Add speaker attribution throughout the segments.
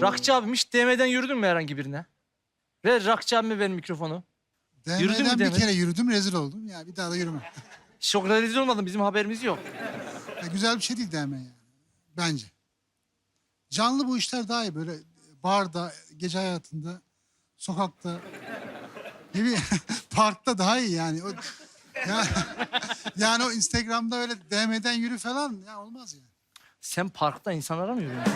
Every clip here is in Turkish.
Speaker 1: Rakçı abim hiç DM'den yürüdün mü herhangi birine? Ver Rakçı abime ver mikrofonu. Yürüdün mü
Speaker 2: DM'den bir
Speaker 1: DM?
Speaker 2: kere yürüdüm, rezil oldum. Ya bir daha da yürüme.
Speaker 1: Çok rezil olmadın, bizim haberimiz yok.
Speaker 2: Ya güzel bir şey değil DM yani. Bence. Canlı bu işler daha iyi. Böyle barda, gece hayatında, sokakta, ne bileyim, parkta daha iyi yani. Ya, yani o Instagram'da öyle DM'den yürü falan ya olmaz yani.
Speaker 1: Sen parkta insanlara mı yürüyorsun?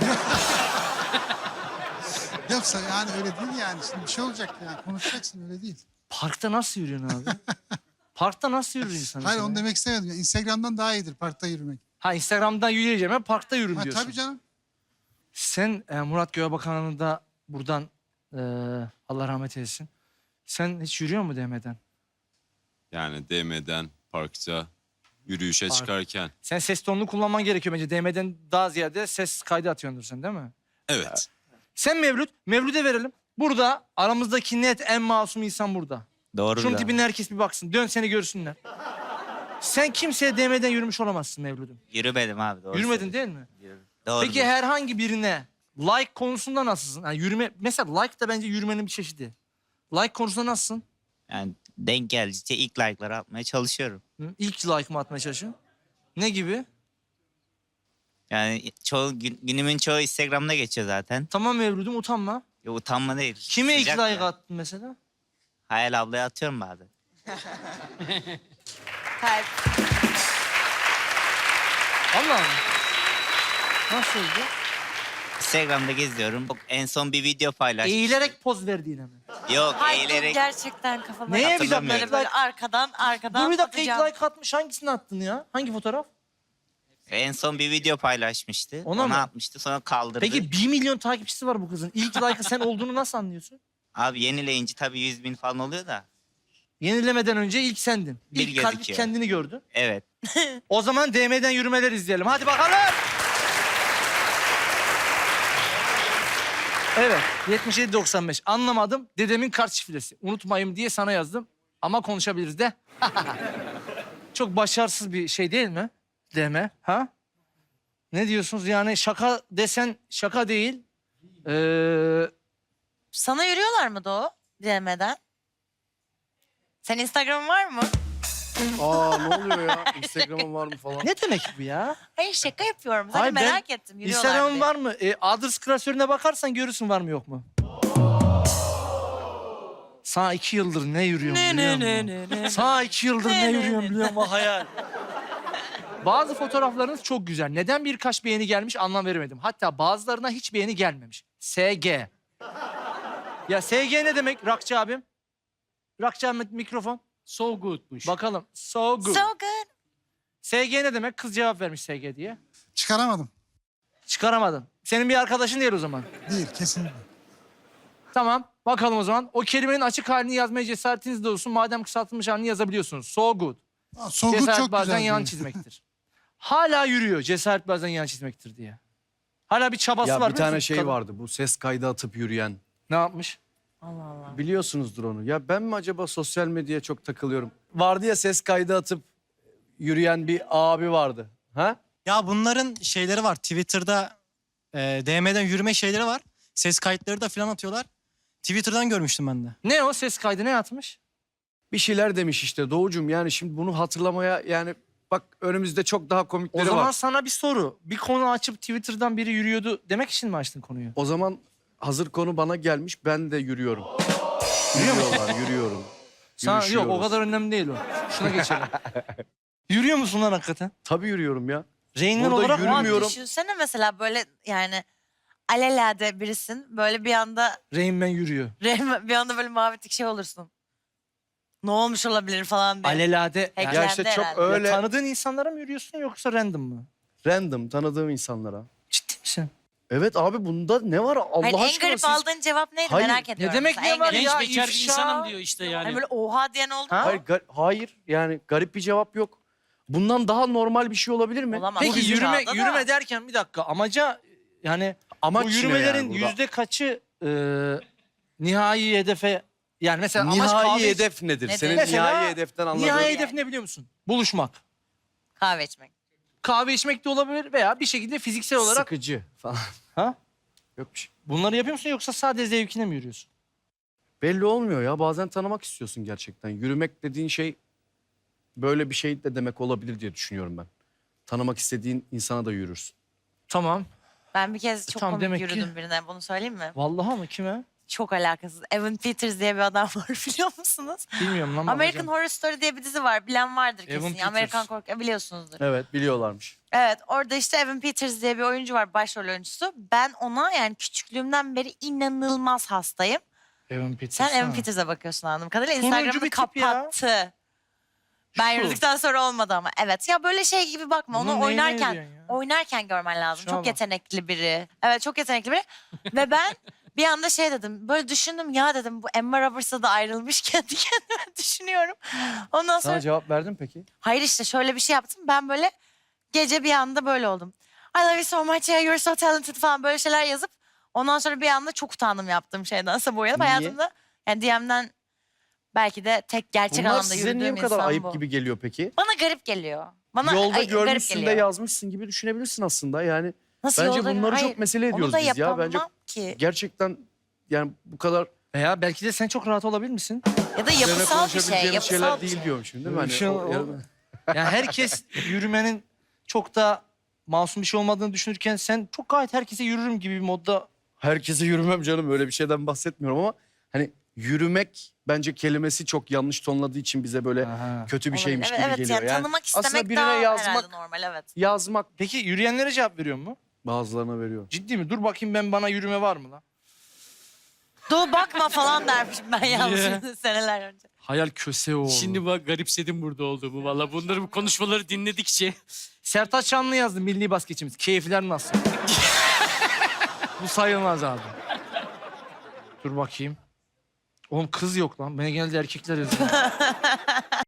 Speaker 2: Yoksa yani öyle değil yani. Şimdi bir şey olacak yani. Konuşacaksın, öyle değil.
Speaker 1: Parkta nasıl yürüyorsun abi? Parkta nasıl yürür insan?
Speaker 2: Hayır,
Speaker 1: mesela?
Speaker 2: onu demek istemedim. Yani Instagram'dan daha iyidir parkta yürümek.
Speaker 1: Ha, Instagram'dan yürüyeceğim, ben parkta yürürüm
Speaker 2: Ha,
Speaker 1: diyorsun.
Speaker 2: tabii canım.
Speaker 1: Sen Murat Göğebakan'ı da buradan Allah rahmet eylesin. Sen hiç yürüyor mu DM'den?
Speaker 3: Yani DM'den, parkta, yürüyüşe
Speaker 1: Park.
Speaker 3: çıkarken.
Speaker 1: Sen ses tonunu kullanman gerekiyor bence. DM'den daha ziyade ses kaydı atıyordur sen, değil mi?
Speaker 3: Evet.
Speaker 1: Sen Mevlüt'e verelim. Burada aramızdaki net en masum insan burada.
Speaker 4: Doğru.
Speaker 1: Şunun tipine herkes bir baksın. Dön seni görsünler. Sen kimseye DM'den yürümüş olamazsın Mevlüt'üm.
Speaker 4: Yürümedim abi. Doğru
Speaker 1: Yürümedin değil mi?
Speaker 4: Doğru.
Speaker 1: Peki herhangi birine like konusunda nasılsın? Yani yürüme, mesela like da bence yürümenin bir çeşidi. Like konusunda nasılsın?
Speaker 4: Yani denk geldikçe ilk like'ları atmaya çalışıyorum.
Speaker 1: Hı? İlk like mı atmaya çalışıyorsun? Ne gibi?
Speaker 4: Yani günümün çoğu Instagram'da geçiyor zaten.
Speaker 1: Tamam Mevlüt'üm, utanma.
Speaker 4: Ya utanma değil.
Speaker 1: Kime ilk
Speaker 4: Sıcak
Speaker 1: like
Speaker 4: ya.
Speaker 1: attın mesela?
Speaker 4: Hayal ablaya atıyorum bazen.
Speaker 5: Kalp.
Speaker 1: Allah mı? Nasıl oldu?
Speaker 4: Instagram'da geziyorum. En son bir video paylaştım.
Speaker 1: Eğilerek poz verdiğine mi?
Speaker 4: Yok
Speaker 5: Hayır,
Speaker 4: eğilerek.
Speaker 5: gerçekten kafama.
Speaker 1: Neye bir dakika?
Speaker 4: Hatırlamıyorum.
Speaker 5: Böyle arkadan
Speaker 1: Dur bir dakika, ilk
Speaker 5: atacağım.
Speaker 1: like atmış. Hangisini attın ya? Hangi fotoğraf?
Speaker 4: En son bir video paylaşmıştı.
Speaker 1: Ona
Speaker 4: Ona
Speaker 1: mı?
Speaker 4: atmıştı sonra kaldırdı.
Speaker 1: Peki 1 milyon takipçisi var bu kızın. İlk like'ı sen olduğunu nasıl anlıyorsun?
Speaker 4: Abi yenileyince tabii 100.000 falan oluyor da.
Speaker 1: Yenilemeden önce ilk sendin.
Speaker 4: Bir
Speaker 1: İlk kalp
Speaker 4: gözüküyor.
Speaker 1: kendini gördü.
Speaker 4: Evet.
Speaker 1: O zaman DM'den yürümeler izleyelim. Hadi bakalım. Evet, 77-95. Anlamadım. Dedemin kart şifresi. Unutmayayım diye sana yazdım. Ama konuşabiliriz de. Çok başarısız bir şey değil mi? DM, ha? Ne diyorsunuz? Yani şaka desen şaka değil.
Speaker 5: Sana yürüyorlar mı Doğu? DM'den. Senin Instagram'ın var mı?
Speaker 6: Aa ne oluyor ya? Instagram'ın var mı falan?
Speaker 1: Ne demek bu ya?
Speaker 5: Hayır, şaka yapıyorum. Sadece
Speaker 1: Hayır, ben
Speaker 5: merak ettim. Yürüyorlar
Speaker 1: Instagram'ın
Speaker 5: diye.
Speaker 1: var mı? Adres klasörüne bakarsan görürsün var mı yok mu? Sana 2 yıldır ne yürüyorum biliyor musun? Sana 2 yıldır ne yürüyorum biliyor musun? Hayal. Bazı fotoğraflarınız çok güzel. Neden birkaç beğeni gelmiş anlam veremedim. Hatta bazılarına hiç beğeni gelmemiş. SG. Ya SG ne demek Rakçı abim? Rakçı abim mikrofon.
Speaker 6: So good'muş.
Speaker 1: Bakalım. So good.
Speaker 5: So good.
Speaker 1: SG ne demek? Kız cevap vermiş SG diye.
Speaker 2: Çıkaramadım.
Speaker 1: Çıkaramadın. Senin bir arkadaşın değil o zaman.
Speaker 2: Değil, kesinlikle.
Speaker 1: Tamam. Bakalım o zaman. O kelimenin açık halini yazmaya cesaretiniz de olsun. Madem kısaltılmış halini yazabiliyorsunuz. So good.
Speaker 2: Aa, so good
Speaker 1: Cesaret
Speaker 2: çok
Speaker 1: bazen
Speaker 2: güzel.
Speaker 1: yan
Speaker 2: diyor.
Speaker 1: çizmektir. Hala yürüyor. Cesaret bazen yan çizmektir diye. Hala bir çabası
Speaker 6: Ya
Speaker 1: var.
Speaker 6: bir
Speaker 1: biliyor
Speaker 6: tane
Speaker 1: musun
Speaker 6: şey
Speaker 1: kadın?
Speaker 6: vardı bu ses kaydı atıp yürüyen.
Speaker 1: Ne yapmış?
Speaker 5: Allah Allah.
Speaker 6: Biliyorsunuzdur onu. Ya ben mi acaba sosyal medyaya çok takılıyorum? Vardı ya ses kaydı atıp yürüyen bir abi vardı. Ha?
Speaker 7: Ya bunların şeyleri var. Twitter'da DM'den yürüme şeyleri var. Ses kayıtları da falan atıyorlar. Twitter'dan görmüştüm ben de.
Speaker 1: Ne o ses kaydı ne atmış?
Speaker 6: Bir şeyler demiş işte Doğucum, yani şimdi bunu hatırlamaya yani bak önümüzde çok daha
Speaker 1: O
Speaker 6: komikleri
Speaker 1: zaman
Speaker 6: var.
Speaker 1: sana bir soru. Bir konu açıp Twitter'dan biri yürüyordu demek için mi açtın konuyu?
Speaker 6: O zaman hazır konu bana gelmiş, ben de yürüyorum. Yürüyorum.
Speaker 1: Sana, yok o
Speaker 6: Yürüyüşüyoruz.
Speaker 1: kadar önemli değil o. Şuna geçelim. Yürüyor musun lan hakikaten?
Speaker 6: Tabii yürüyorum ya.
Speaker 1: Reynmen
Speaker 6: Burada
Speaker 1: olarak
Speaker 6: yürümüyorum.
Speaker 5: Ama düşünsene mesela böyle yani alelade birisin. Böyle bir anda
Speaker 1: Reynmen yürüyor.
Speaker 5: bir anda böyle mavi tik şey olursun. Ne olmuş olabilir falan diye.
Speaker 1: Alelade.
Speaker 5: Hacklendi
Speaker 1: Yani,
Speaker 6: Ya işte çok
Speaker 5: herhalde.
Speaker 6: öyle
Speaker 1: tanıdığın insanlara mı yürüyorsun yoksa random mı?
Speaker 6: random tanıdığım insanlara.
Speaker 1: Ciddi misin?
Speaker 6: Evet abi, bunda ne var Allah
Speaker 5: Hayır, en
Speaker 6: aşkına
Speaker 5: garip
Speaker 6: siz...
Speaker 5: aldığın cevap neydi
Speaker 6: Hayır.
Speaker 5: merak ediyorum.
Speaker 1: demek
Speaker 5: mesela.
Speaker 1: ne var
Speaker 5: garip-
Speaker 1: ya?
Speaker 8: Genç bekar bir
Speaker 1: ifşa.
Speaker 8: insanım diyor işte yani.
Speaker 5: Hani böyle oha diyen oldu
Speaker 1: Ha?
Speaker 5: mu?
Speaker 6: Hayır yani garip bir cevap yok. Bundan daha normal bir şey olabilir mi?
Speaker 5: Olamaz.
Speaker 1: Peki
Speaker 5: Bu
Speaker 1: yürüme
Speaker 5: dünyada da-
Speaker 1: yürüme derken bir dakika amaca yani
Speaker 6: Amaç
Speaker 1: bu
Speaker 6: ne
Speaker 1: yürümelerin
Speaker 6: yani burada?
Speaker 1: yüzde kaçı nihai hedefe yani mesela amaç
Speaker 6: Nihai
Speaker 1: kahve
Speaker 6: hedef nedir?
Speaker 5: Nedir?
Speaker 6: Senin
Speaker 1: Mesela
Speaker 6: nihai hedeften anladığın.
Speaker 1: nihai hedef ne biliyor musun? Buluşmak.
Speaker 5: Kahve içmek.
Speaker 1: Kahve içmek de olabilir veya bir şekilde fiziksel olarak
Speaker 6: Sıkıcı falan.
Speaker 1: ha?
Speaker 6: Yok bir şey.
Speaker 1: Bunları yapıyor musun yoksa sadece zevkine mi yürüyorsun?
Speaker 6: Belli olmuyor ya. Bazen tanımak istiyorsun gerçekten. Yürümek dediğin şey böyle bir şey de demek olabilir diye düşünüyorum ben. Tanımak istediğin insana da yürürsün.
Speaker 1: Tamam.
Speaker 5: Ben bir kez çok
Speaker 1: Tamam,
Speaker 5: komik
Speaker 1: demek ki-
Speaker 5: yürüdüm birine. Bunu söyleyeyim mi?
Speaker 1: Vallahi mı? Kime?
Speaker 5: Çok alakasız. Evan Peters diye bir adam var biliyor musunuz?
Speaker 1: Bilmiyorum lan.
Speaker 5: American
Speaker 1: bakacağım.
Speaker 5: Horror Story diye bir dizi var. Bilen vardır kesin.
Speaker 1: Evan Peters.
Speaker 5: Amerikan korku biliyorsunuzdur.
Speaker 6: Evet, biliyorlarmış.
Speaker 5: Evet, orada işte Evan Peters diye bir oyuncu var, başrol oyuncusu. Ben ona yani küçüklüğümden beri inanılmaz hastayım.
Speaker 1: Evan Peters.
Speaker 5: Sen Evan
Speaker 1: ha.
Speaker 5: Peters'a bakıyorsun anladığım kadarıyla.
Speaker 1: Turuncu
Speaker 5: Instagram'ı
Speaker 1: bir tip ya.
Speaker 5: kapattı. Ben
Speaker 1: Şu.
Speaker 5: yürüdükten sonra olmadı ama. Evet ya böyle şey gibi bakma.
Speaker 1: Bunun
Speaker 5: Onu
Speaker 1: neyine
Speaker 5: oynarken
Speaker 1: yürüyorsun ya?
Speaker 5: oynarken görmen lazım.
Speaker 1: Şuna
Speaker 5: Çok
Speaker 1: bak.
Speaker 5: yetenekli biri. Evet çok yetenekli biri. Ve ben bir anda şey dedim. Böyle düşündüm ya dedim bu Emma Roberts'a da ayrılmış kendi kendime düşünüyorum. Ondan sonra
Speaker 6: Sana cevap verdim peki?
Speaker 5: hayır işte şöyle bir şey yaptım. Ben böyle gece bir anda böyle oldum. I love you so much, yeah, you're so talented falan böyle şeyler yazıp ondan sonra bir anda çok utandım yaptığım şeyden. Bu uyanıp
Speaker 6: Niye?
Speaker 5: hayatımda yani DM'den belki de tek gerçek
Speaker 6: Bunlar
Speaker 5: anlamda
Speaker 6: size niye
Speaker 5: yürüdüğüm
Speaker 6: bu kadar
Speaker 5: insan
Speaker 6: ayıp
Speaker 5: bu.
Speaker 6: gibi geliyor peki?
Speaker 5: Bana garip geliyor. Bana
Speaker 6: Yolda
Speaker 5: garip
Speaker 6: görmüşsün de
Speaker 5: geliyor.
Speaker 6: yazmışsın gibi düşünebilirsin aslında. Yani
Speaker 5: Nasıl
Speaker 6: bence
Speaker 5: yolda-
Speaker 6: bunları
Speaker 5: Hayır,
Speaker 6: çok mesele ediyoruz
Speaker 5: onu da
Speaker 6: biz ya.
Speaker 5: yapamam
Speaker 6: Bence
Speaker 5: ki.
Speaker 6: gerçekten yani bu kadar
Speaker 1: Veya belki de sen çok rahat olabilir misin?
Speaker 5: Ya da
Speaker 6: üzerine
Speaker 5: yapısal bir şey.
Speaker 6: konuşabileceğimiz
Speaker 5: Yapısal
Speaker 6: şeyler
Speaker 5: bir
Speaker 6: değil
Speaker 5: şey.
Speaker 6: diyorum şimdi. Değil mi? Hani
Speaker 1: Şey-
Speaker 6: o-
Speaker 1: Yani herkes yürümenin çok da masum bir şey olmadığını düşünürken sen çok gayet herkese yürürüm gibi bir modda.
Speaker 6: Herkese yürümem canım, öyle bir şeyden bahsetmiyorum ama hani yürümek bence kelimesi çok yanlış tonladığı için bize böyle
Speaker 1: Aha.
Speaker 6: kötü bir
Speaker 5: Olabilir.
Speaker 6: şeymiş
Speaker 5: Evet,
Speaker 6: gibi
Speaker 5: evet,
Speaker 6: geliyor.
Speaker 5: yani tanımak istemek
Speaker 6: aslında birine
Speaker 5: daha
Speaker 6: yazmak,
Speaker 5: herhalde normal evet.
Speaker 6: yazmak
Speaker 1: Peki yürüyenlere cevap veriyor mu?
Speaker 6: bazılarına veriyor.
Speaker 1: Ciddi mi? Dur bakayım ben bana yürüme var mı lan?
Speaker 5: Doğu bakma falan dermişim ben yalnız seneler önce.
Speaker 1: Hayal köse o.
Speaker 8: Şimdi bak garipsedim burada olduğumu. Valla bunları bu konuşmaları dinledikçe.
Speaker 1: Sertaç Şanlı yazdı milli basketçimiz. Keyifler nasıl? Bu sayılmaz abi. Dur bakayım. Oğlum kız yok lan. Bana genelde erkekler yazıyor.